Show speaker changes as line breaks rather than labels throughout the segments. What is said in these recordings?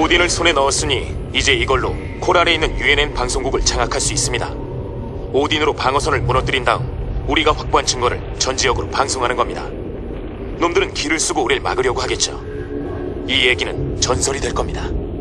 오딘을 손에 넣었으니 이제 이걸로 코랄에 있는 UNN 방송국을 장악할 수 있습니다. 오딘으로 방어선을 무너뜨린 다음 우리가 확보한 증거를 전 지역으로 방송하는 겁니다. 놈들은 길을 쓰고 우릴 막으려고 하겠죠. 이 얘기는 전설이 될 겁니다.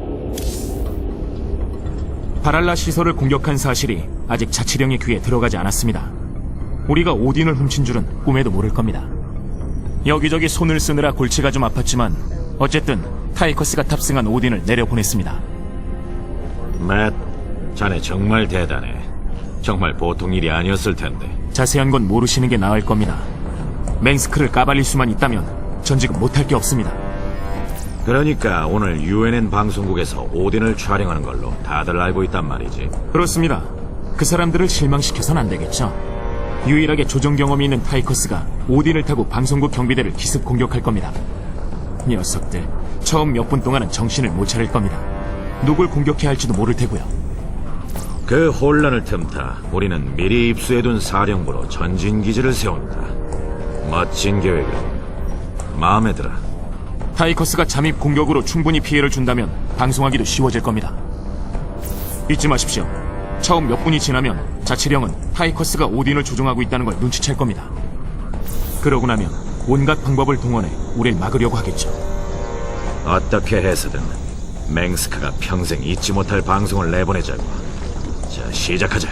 바랄라 시설을 공격한 사실이 아직 자치령의 귀에 들어가지 않았습니다. 우리가 오딘을 훔친 줄은 꿈에도 모를 겁니다. 여기저기 손을 쓰느라 골치가 좀 아팠지만 어쨌든 타이커스가 탑승한 오딘을 내려보냈습니다.
맷, 자네 정말 대단해. 정말 보통 일이 아니었을 텐데.
자세한 건 모르시는 게 나을 겁니다. 맹스크를 까발릴 수만 있다면 전 지금 못할 게 없습니다.
그러니까 오늘 UNN 방송국에서 오딘을 촬영하는 걸로 다들 알고 있단 말이지.
그렇습니다. 그 사람들을 실망시켜선 안 되겠죠. 유일하게 조종 경험이 있는 타이커스가 오딘을 타고 방송국 경비대를 기습 공격할 겁니다. 녀석들 처음 몇 분 동안은 정신을 못 차릴 겁니다. 누굴 공격해야 할지도 모를 테고요.
그 혼란을 틈타 우리는 미리 입수해둔 사령부로 전진기지를 세운다. 멋진 계획을 마음에 들어.
타이커스가 잠입 공격으로 충분히 피해를 준다면 방송하기도 쉬워질 겁니다. 잊지 마십시오. 처음 몇 분이 지나면 자치령은 타이커스가 오딘을 조종하고 있다는 걸 눈치챌 겁니다. 그러고 나면 온갖 방법을 동원해 우릴 막으려고 하겠죠.
어떻게 해서든 맹스크가 평생 잊지 못할 방송을 내보내자고. 자, 시작하자.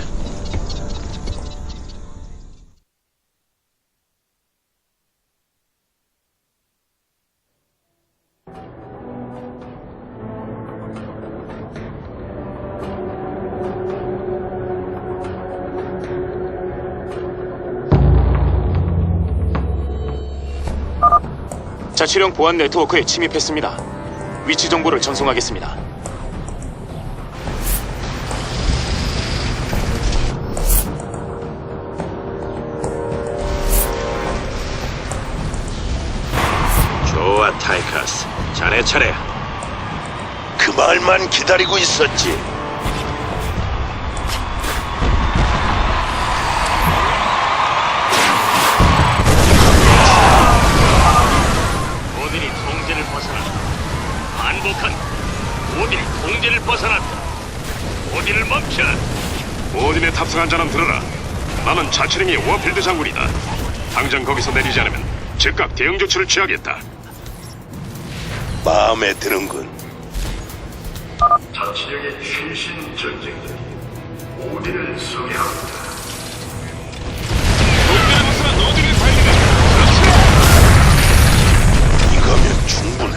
자치령 보안 네트워크에 침입했습니다. 위치 정보를 전송하겠습니다.
좋아, 타이커스. 자네 차례야.
그 말만 기다리고 있었지.
오딘이 통제를 벗어났다. 반복한 오딘이 통제를 벗어났다. 오딘을 멈춰.
오딘에 탑승한 자는 들어라. 나는 자치령의 워필드 장군이다. 당장 거기서 내리지 않으면 즉각 대응 조치를 취하겠다.
마음에 드는군.
자치령의 최신 전쟁들이 오딘을 소개합니다.
이거면 충분해.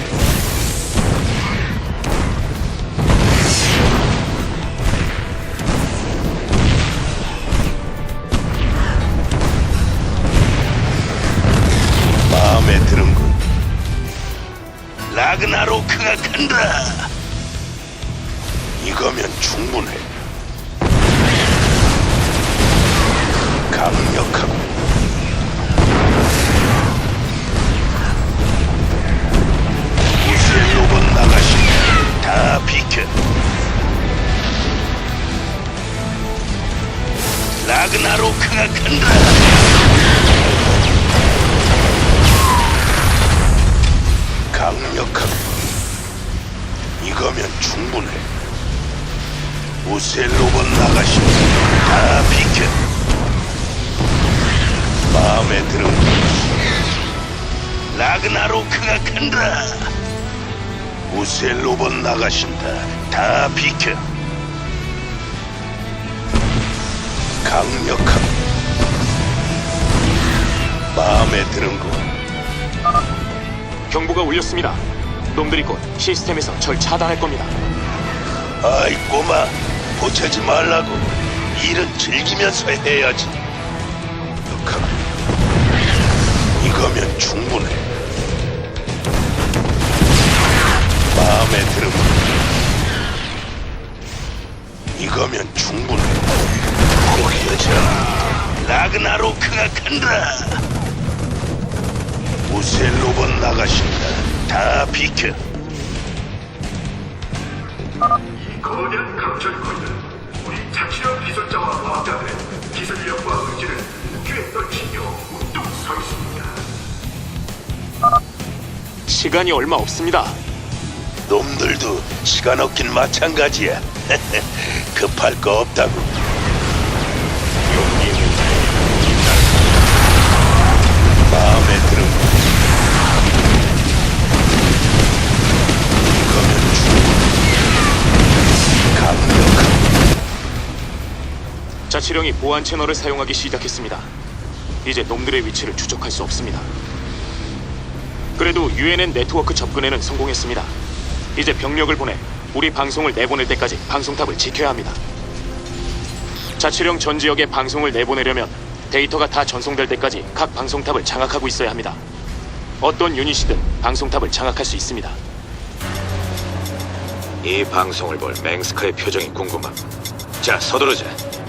마음에 드는군. 라그나로크가 간다. 이거면 충분해. 강력하고 무쇠 로봇 나가시면 다 비켜. 라그나로크가 간다. 강력하고 이거면 충분해. 무쇠 로봇 나가시면 다 비켜. 마음에 드는군. 라그나로크가 간다. 무쇠 로봇 나가신다. 다 비켜. 강력하고 마음에 드는군.
경보가 울렸습니다. 놈들이 곧 시스템에서 절 차단할 겁니다.
아이 꼬마, 보채지 말라고. 일은 즐기면서 해야지. 강력하고 이거면 충분해. 마음에 드는군. 이거면 충분해. 보여줘. 라그나로크가 간다. 무쇠 로봇 나가신다. 다 비켜.
이 거대한 강철권은 우리 자치령 기술자와 과학자들의 기술력과 의지를 무기에 떨치며 우뚝 서 있습니다.
시간이 얼마 없습니다.
놈들도 시간 없긴 마찬가지야. 급할 거 없다고. 마음에 들어. 이거면 강력한.
자치령이 보안 채널을 사용하기 시작했습니다. 이제 놈들의 위치를 추적할 수 없습니다. 그래도 UNN 네트워크 접근에는 성공했습니다. 이제 병력을 보내 우리 방송을 내보낼 때까지 방송탑을 지켜야 합니다. 자치령 전 지역에 방송을 내보내려면 데이터가 다 전송될 때까지 각 방송탑을 장악하고 있어야 합니다. 어떤 유닛이든 방송탑을 장악할 수 있습니다.
이 방송을 볼 맹스크의 표정이 궁금함. 자, 서두르자.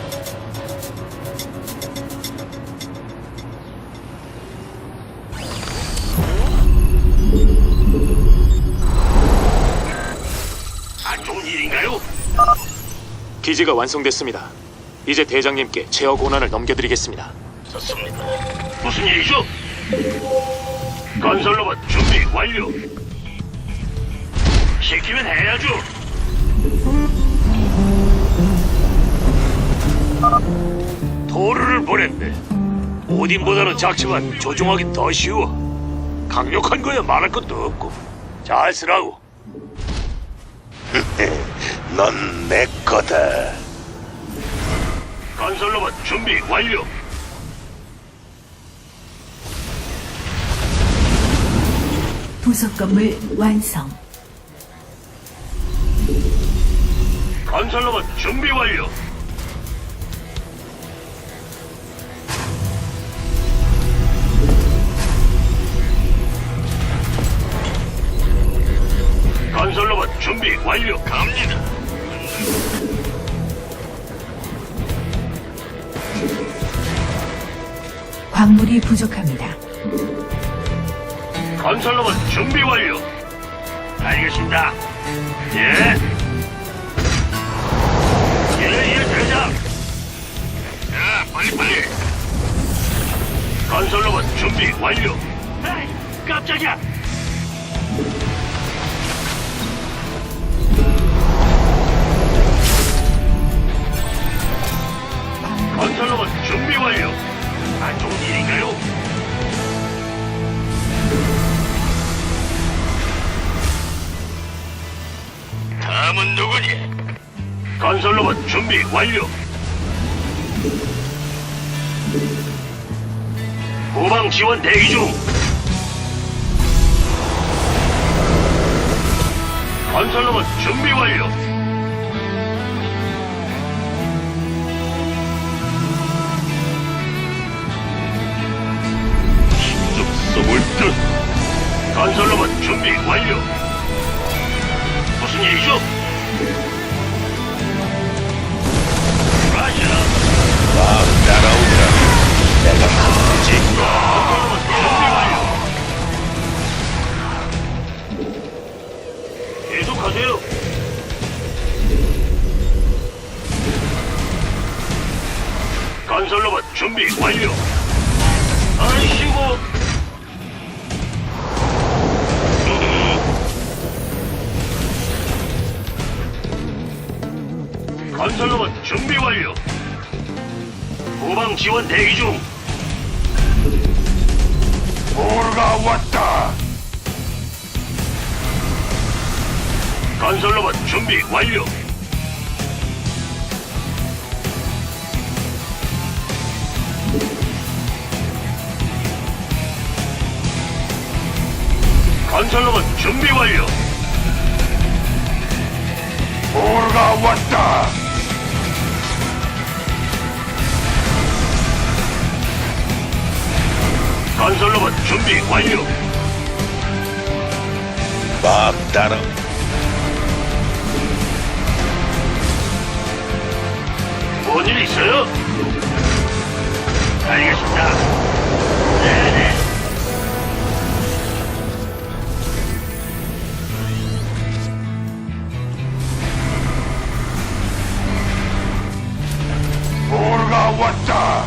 안 좋은 일인가요?
기지가 완성됐습니다. 이제 대장님께 제어 권한을 넘겨드리겠습니다.
좋습니다. 무슨 일이죠? 건설로봇 준비 완료. 시키면 해야죠. 토르를 보냈네. 오딘보다는 작지만 조종하기 더 쉬워. 강력한 거야 말할 것도 없고. 잘 쓰라고.
넌 내 거다.
건설로봇 준비 완료.
부속 건물 완성.
건설로봇 준비 완료. 건설로봇 준비 완료. 갑니다.
광물이 부족합니다.
건설로봇 준비 완료. 알겠습니다. 예. 예, 대장. 자, 빨리. 건설로봇 준비 완료. 에이, 깜짝이야. 건설로봇 준비 완료. 안 좋은 일인가요? 다음은 누구니? 건설로봇 준비 완료. 후방 지원 대기 중. 건설로봇 준비 완료. 힘좀 써볼 듯. 건설로봇 준비 완료. 무슨 일이죠? 라자.
막 따라오더라. 내가 한지.
건설로봇 준비 완료. 계속하세요. 건설로봇 준비 완료. 아이씨고. 건설로봇 준비 완료. 후방 지원 대기 중. 오르가 왔다. 건설로봇 준비 완료. 건설로봇 준비 완료. 오르가 왔다. 건설로봇 준비 완료.
막 따라.
뭔 일 있어요? 알겠습니다. 네네.
오르가 왔다.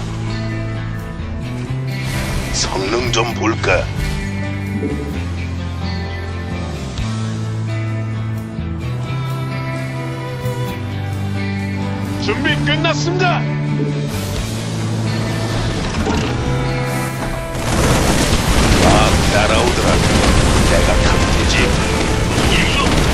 성능 좀 볼까?
준비 끝났습니다.
막 날아오더라. 내가 타면 되지.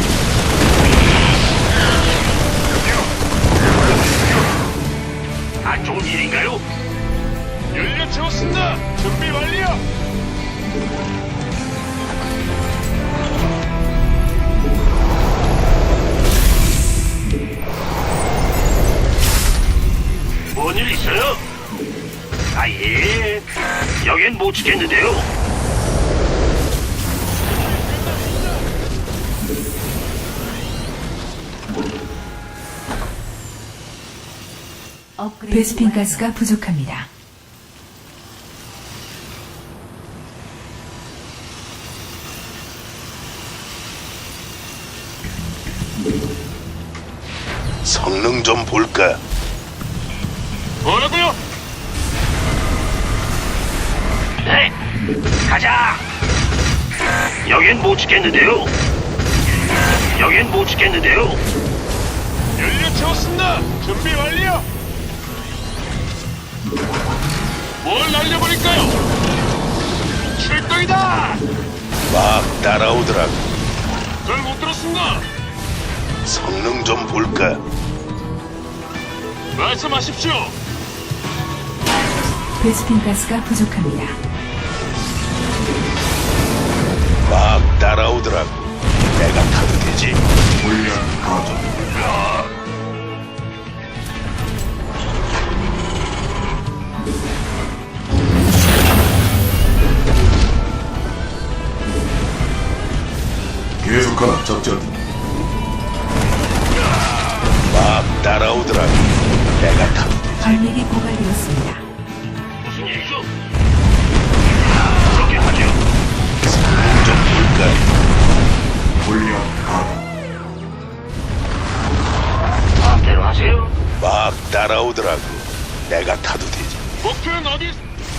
안 좋은 일인가요? 연료 채웠습니다. 준비 완료. 뭔 일 있어요? 아, 예. 여긴 못 지켰는데요.
베스핀 가스가 부족합니다.
성능 좀 볼까?
뭐라고요? 네, 가자. 여긴 못 지켰는데요. 여긴 못 지켰는데요. 연료 채웠습니다. 준비 완료. 뭘 날려버릴까요? 출동이다.
막 날아오더라.
잘 못 들었습니다.
성능 좀 볼까?
말씀하십시오.
베스핀 가스가 부족합니다.
막 날아오더라고. 내가 타도 되지.
계속하라 작전.
막 날아오더라고. 내가 타도 되지.
광맥이 고갈되었습니다.
무슨 일이죠? 그렇게 하죠.
성능 좀 볼까?
마음대로 하세요.
막 날아오더라고. 내가 타도 되지.
목표는 어디?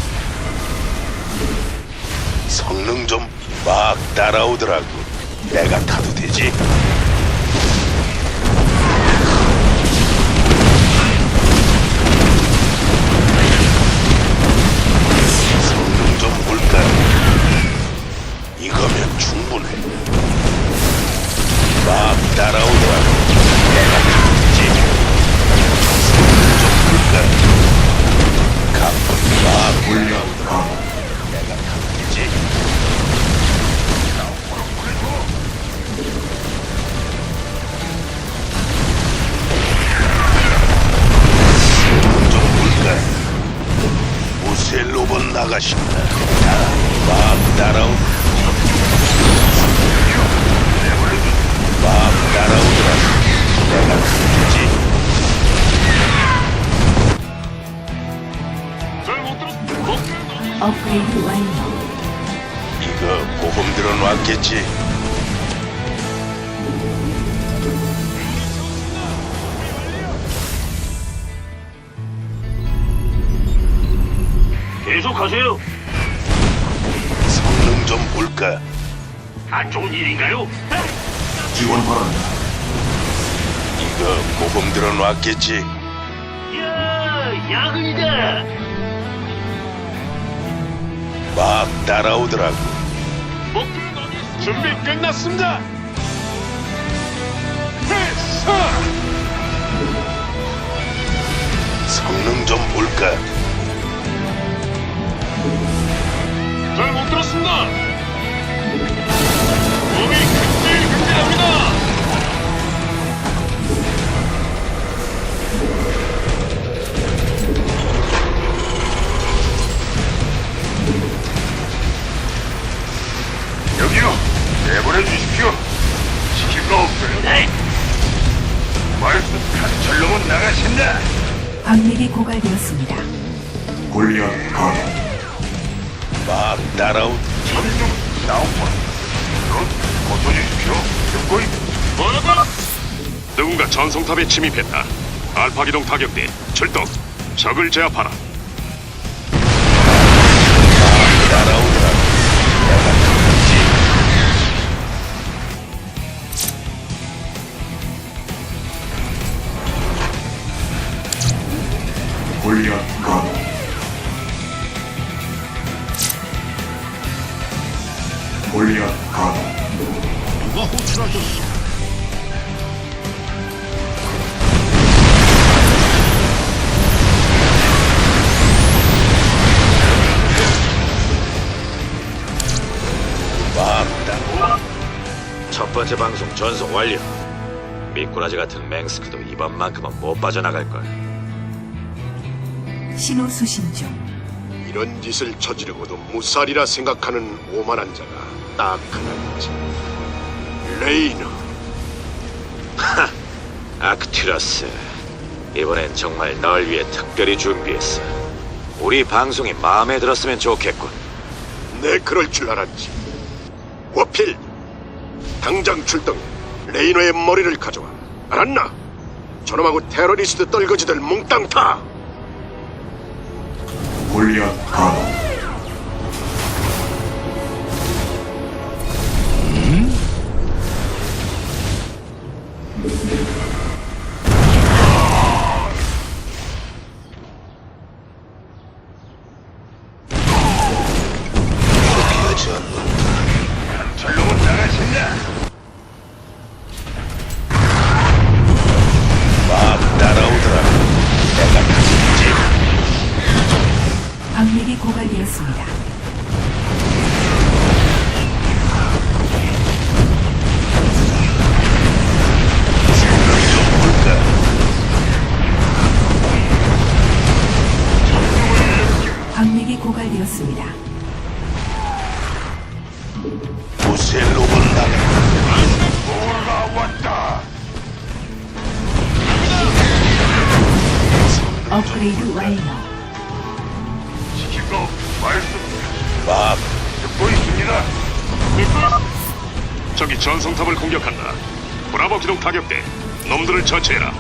성능 좀 막 날아오더라고. 내가 타도 되지. 성능 좀 볼까? 이거면 충분해. 막 날아오더라고. 내가 타도 되지. 성능 좀 볼까? 가끔 막 올라오더라고. 내가 타도 되지. 좀 볼까? 무쇠 로봇 나가신다. 막 날아오. 막 날아오더라. 내가 타지.
잘못 들었. 목표는 어디?
업그레이드 완료.
이거 보험 들어놨겠지?
계속하세요.
성능 좀 볼까?
안 좋은 일인가요?
지원 바란다.
이거 보험 들어놨겠지?
야, 야근이다.
막 날아오더라고.
목표는 어디 있어? 준비 끝났습니다. 회사.
성능 좀 볼까?
잘 못 들었습니다. 몸이 근질근질합니다.
여기요. 내보내 주십시오. 시킬 거 없어요.
네.
말씀 간절로만 나가신다.
광맥이 고갈되었습니다.
골리앗 가동.
막 날아오.
전중 나오고. 고쳐주십시오. 듣고 있.
뭐라고? 누군가 전송탑에 침입했다. 알파 기동 타격대 출동. 적을 제압하라.
날아오더라고. 내가 타지.
골리앗 가동.
누가 호출하셨어?
첫 번째 방송 전송 완료. 미꾸라지 같은 맹스크도 이번만큼은 못 빠져나갈걸.
신호 수신 중.
이런 짓을 저지르고도 무살이라 생각하는 오만한 자가 딱 하나있지. 레이너.
아크투러스, 이번엔 정말 널 위해 특별히 준비했어. 우리 방송이 마음에 들었으면 좋겠군.
내 그럴 줄 알았지. 워필, 당장 출동. 레이너의 머리를 가져와. 알았나? 저놈하고 테러리스트 떨거지들 몽땅 타.
골리앗 가동.
포기하지 않는다.
저놈은 나가신다.
막 따라오더라. 내가 가겠지.
광맥이 고갈되었습니다.
좀 볼까?
광맥이 고갈되었습니다.
부셀로군 나가.
뭐가 왔다.
업그레이드 완료.
시키고 말씀
막
듣고 있습니다.
적이 전송탑을 공격한다. 브라보 기동 타격대. 놈들을 처치해라.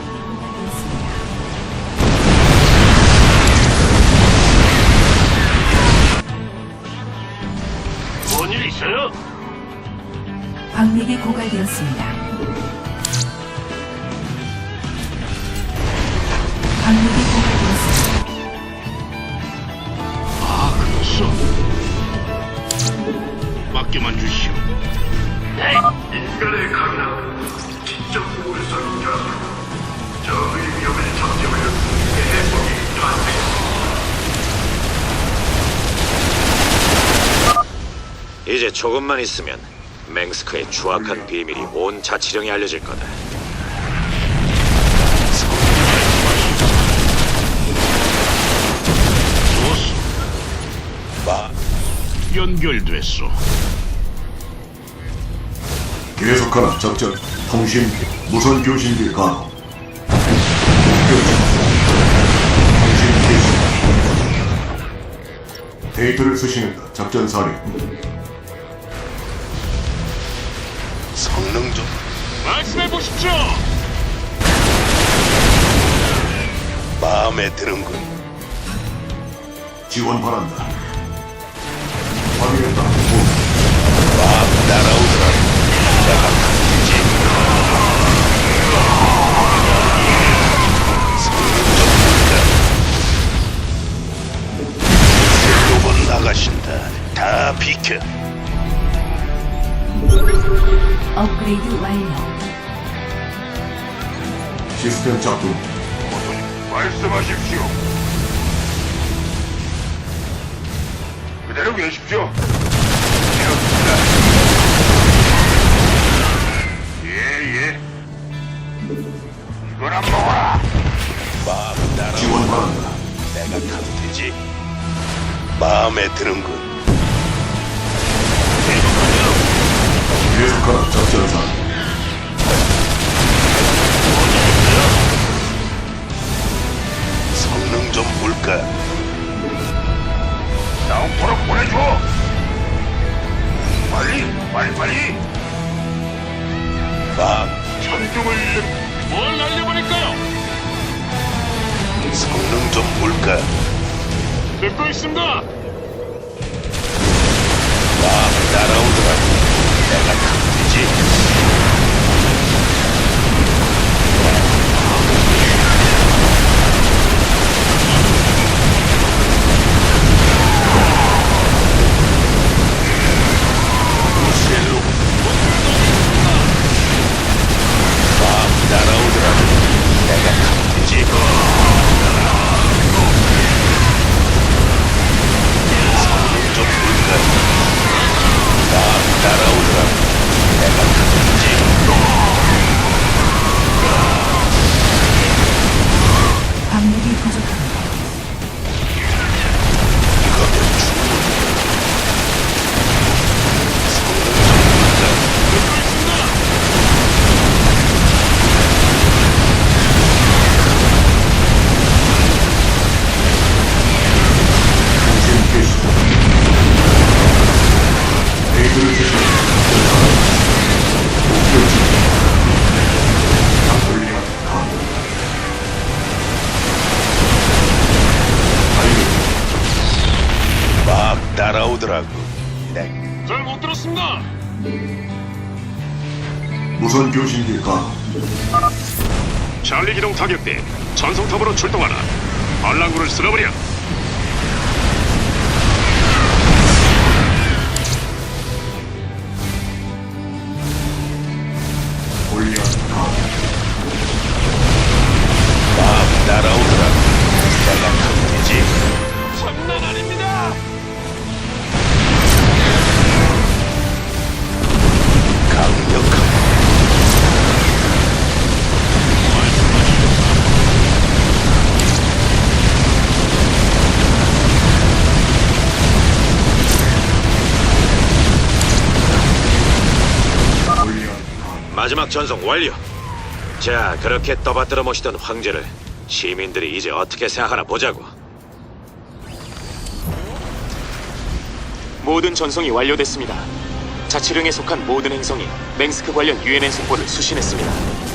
뭔 일 있어요?
광맥이 고갈되었습니다. 광맥이 고갈되었습니다.
아, 그렇소. 맡겨만 주시오. 인간의 강남 직접 우선자. 저의 위험을 잠재우려 해법이 탄생했습니다.
이제 조금만 있으면 맹스크의 추악한 비밀이 온 자치령에 알려질 거다.
막
연결됐소.
계속하라 작전. 통신 무선 교신기 가동. 통신 개시. 데이터를 수신한다. 작전 사령.
성능 좀
말씀해 보십시오.
마음에 드는군.
지원 바란다. 확인했다.
막 따라오더라. 내가 가겠지. 성능 좀 볼까? 부셀로군 나가신다. 다 비켜.
업그레이드 완료.
시스템 작동. 말씀하십시오. 그대로 계십시오. 예. 이걸 안 먹어라.
막 따라오더라.
지원 바란다.
내가 가도 되지. 마음에 드는군.
계속하라 작전사.
성능 좀 볼까?
나우포로 보내줘. 빨리.
막
천둥을
뭘 날려버릴까요?
성능 좀 볼까?
듣고 있습니다.
막 따라오더라. 내가 가도 되지. 나가신다.
잘 못 들었습니다.
무선 교신기가
찰리 기동 타격대 전송탑으로 출동하라. 반란군을 쓸어버려.
골리앗 가
막 날아오르라. 내가 강해지.
장난 아닙니다.
강력한
마지막 전송 완료. 자, 그렇게 떠받들어 모시던 황제를 시민들이 이제 어떻게 생각하나 보자고.
모든 전송이 완료됐습니다. 자치령에 속한 모든 행성이 맹스크 관련 유엔엔 속보를 수신했습니다.